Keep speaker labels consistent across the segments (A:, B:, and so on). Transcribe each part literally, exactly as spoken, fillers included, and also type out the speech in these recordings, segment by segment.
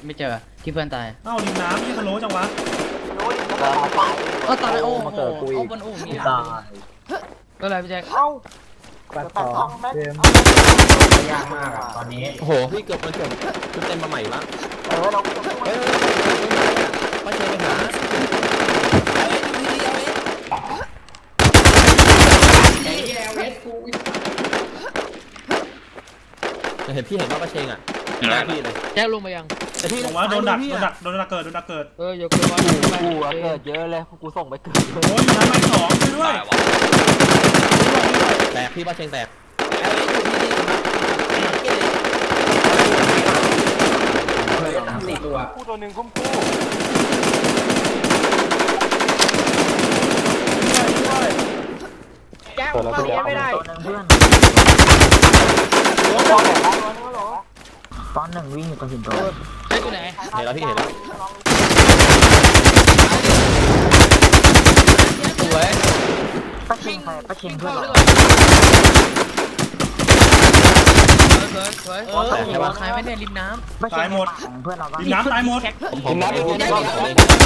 A: ไม่เจอที่เพื่อนตาย
B: เอ้าริมน้ำยี่สโลจังวะ
A: เออตายโอ้โห
C: มาเกิดกูอี
A: เอา
C: ก
A: บนอู่นี่
C: ตาย
A: ก็เลยพี่แจ็ค
D: เอ้า
C: แปดสองเกม
D: ยากมากอ่ะตอนนี้
E: โอ้โหพี่เกือบมันเกือบชุดเต็มมาใหม่ละ
D: เออเรา
E: เฮ้ยป้าเชยไปหาเห็นพี่เห็นว่าป้าเชงอ่ะหน้าพี่เลย
A: แจ็คลงมายัง
E: แต่พี่
B: ลงว่าโดนดักโดนดักโดนดักเกิดโดนดักเกิด
A: เอออย่าเกินว่า
C: กูอะเกิดเยอะเลยกูส่งไปเกิดเยอะ
B: โอ้ยอยู่น้ำไม้สองช่วยด้วย
E: แตกพี่ป้าเชงแตก
D: สี่ตัวคู่ตัวหนึ่งคุ้มคู่
C: แก้วมาเลี้ยไม่ได้ตัวนึงเพื่อนตอนหนึ่งวิ่งอยู่ตรงหินโต
A: แจ็คอยู่ไหน
E: เห็นแล้วพี่เห็นแล้ว
A: สวย
C: ป้าเชงใครป้าเชงเพื่อน
A: สวยสวยเออหัวใครไม่ได้ริมน้ำ
C: ป้าเชงเพื่อนเราบ้าง
B: ริมน้ำตายหมด
E: ผมผมผมผมผมเลย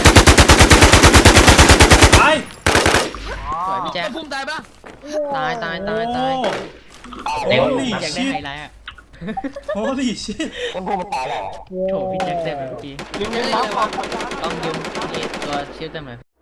B: ตาย
A: สวยพี่แจ็คพุ่มตายปะตายตายตายตาย
B: โอ้
A: เด็ก
B: โห
A: อยากได้
B: ชิ
A: ไฮไลท์อ่ะ
B: โอ้ดิชิต
A: โถพี่แจ็คเต็มเลยเมื่อกี้ต้องยืมนี่ตัวชิลเต็มเลย